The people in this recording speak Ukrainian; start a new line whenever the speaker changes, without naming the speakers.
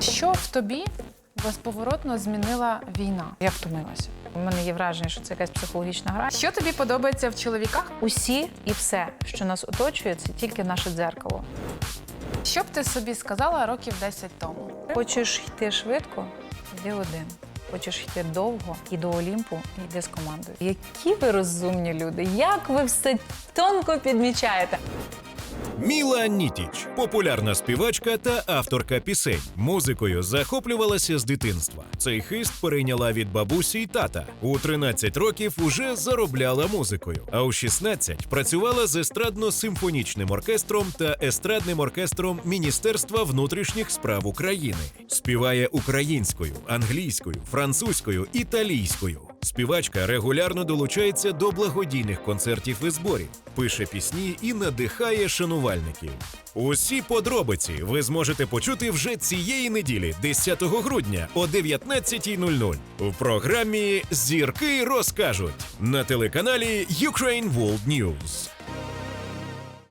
Що в тобі безповоротно змінила війна?
Я втомилася. У мене є враження, що це якась психологічна гра.
Що тобі подобається в чоловіках?
Усі і все, що нас оточує, це тільки наше дзеркало.
Що б ти собі сказала років 10 тому?
Хочеш йти швидко – йди один. Хочеш йти довго – і до Олімпу, і йди з командою. Які ви розумні люди! Як ви все тонко підмічаєте!
Міла Нітіч – популярна співачка та авторка пісень. Музикою захоплювалася з дитинства. Цей хист перейняла від бабусі й тата. У 13 років уже заробляла музикою, а у 16 працювала з естрадно-симфонічним оркестром та естрадним оркестром Міністерства внутрішніх справ України. Співає українською, англійською, французькою, італійською. Співачка регулярно долучається до благодійних концертів і зборів, пише пісні і надихає шанувальників. Усі подробиці ви зможете почути вже цієї неділі, 10 грудня о 19:00 в програмі «Зірки розкажуть» на телеканалі Ukraine World News.